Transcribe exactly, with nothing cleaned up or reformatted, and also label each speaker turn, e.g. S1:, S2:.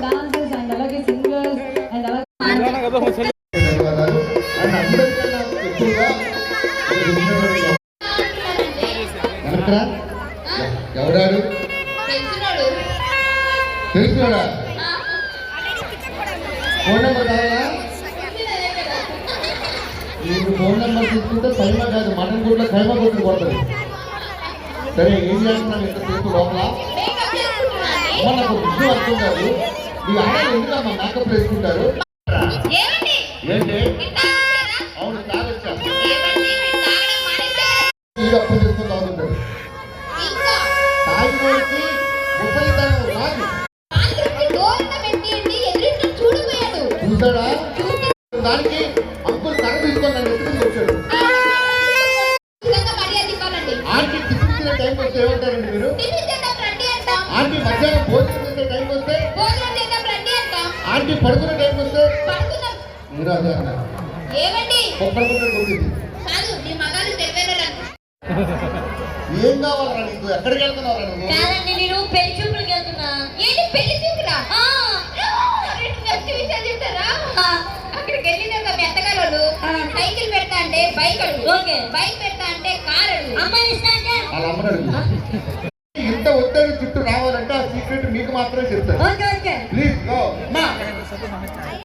S1: Dancers and అలాగే singers and అలాగే
S2: ఎవడాడు తెలుసుకోడా ఫోన్ నెంబర్ కావాలా నీకు ఫోన్ నెంబర్ తీసుకుంటే కైమా కాదు మటన్ గుడ్లో కైమా కొట్టుకు కొడుతుంది. సరే ఏం చేస్తున్నాను ఇంతసేపు లోపల అమ్మ నాకు విషయం అర్థం కాదు. ఈ ఆడలు ఎందుకమ్మా మేకప్ వేసుకుంటారు ఏంటి? అవును తాగొచ్చా అప్పు చేసుకుని తాగుతుంటాడు. తాగిపోయి ముప్పైతనం రాదు చూసాడా దానికి అంకుల్ కర్ర తీసుకొని నన్ను ఎత్తుకుని వచ్చాడు. ఆంటీ టిఫిన్ తినే టైంకి వస్తే ఏమంటారండి మీరు? ఆంటీ మధ్యాహ్నం భోజనం చేసే టైంకి వస్తే ఆంటీ పడుకునే టైంకి వస్తే మీరు అదే అన్నారు ఒక్కడి పుట్ట కొట్టింది. ఏం కావాలరా నీకు? ఎక్కడికి వెళ్తున్నావురా నువ్వు?
S3: నేను పెళ్లి చూపులకి వెళ్తున్నా. ఏంటి పెళ్లి చూపులా? అక్కడికి వెళ్ళినాక మీ అత్తగారు సైకిల్ పెడతా అంటే బైక్ అడుగు, బైక్ పెడతా అంటే కార్ అడుగు, అమ్మాయి ఇస్తా అంటే
S2: వాళ్ళ అమ్మని అడుగు. ఇంత ఒత్తిడి చుట్టూ రావాలంటే ఆ సీక్రెట్ మీకు మాత్రమే చెప్తారు. Please go.